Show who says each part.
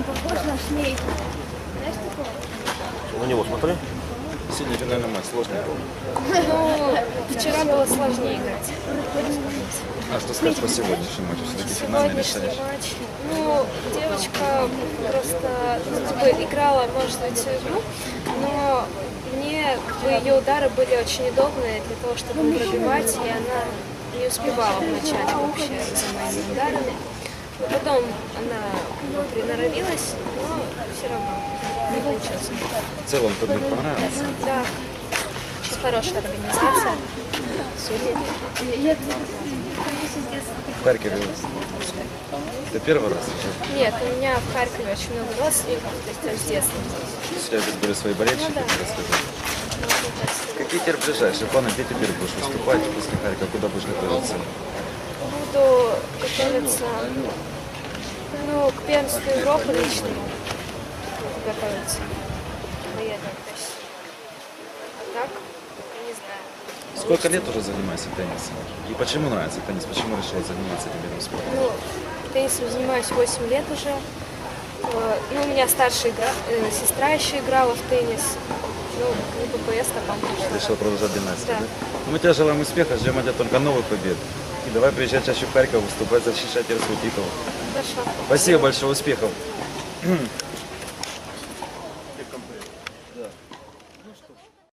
Speaker 1: Он похож на шмейку. Знаешь такого?
Speaker 2: На него смотри.
Speaker 3: Сегодня финальный матч, сложный был.
Speaker 4: Ну, вчера было сложнее играть.
Speaker 3: А что скажешь по сегодняшнему матчу? Все-таки финальный
Speaker 4: Сегодняшний
Speaker 3: решаешь?
Speaker 4: матч. Ну, девочка просто типа, играла, может быть, всю игру, но мне ее удары были очень удобные для того, чтобы пробивать, и она не успевала вначале вообще за моими ударами. Но потом она приноровилась, но все равно не получилось.
Speaker 3: В целом турнир понравился?
Speaker 4: Да, хорошая организация.
Speaker 3: В Харькове это первый раз уже?
Speaker 4: Нет, у меня в Харькове очень много родственников, то есть с детства.
Speaker 3: У тебя здесь были свои болельщики,
Speaker 4: Ну да.
Speaker 3: ты рассказал. Какие теперь ближайшие планы? Где теперь будешь выступать после Харькова? Куда будешь готовиться?
Speaker 4: Буду готовиться, ну, к первенству Европы личному. Буду готовиться. Поеду в Россию. А так, не знаю.
Speaker 3: Сколько лет уже занимаешься теннисом? И почему нравится теннис? Почему решила заниматься этим видом спорта?
Speaker 4: Ну, теннисом занимаюсь 8 лет уже. Ну, у меня старшая сестра еще играла в теннис. Ну, не ППС, а там
Speaker 3: Решил продолжать династию,
Speaker 4: Да.
Speaker 3: да? Ну, мы тебе желаем успеха, ждем от тебя только новых побед. И давай приезжай чаще в Харьков, выступать, защищать свой титул.
Speaker 4: Хорошо.
Speaker 3: Спасибо большое, успехов.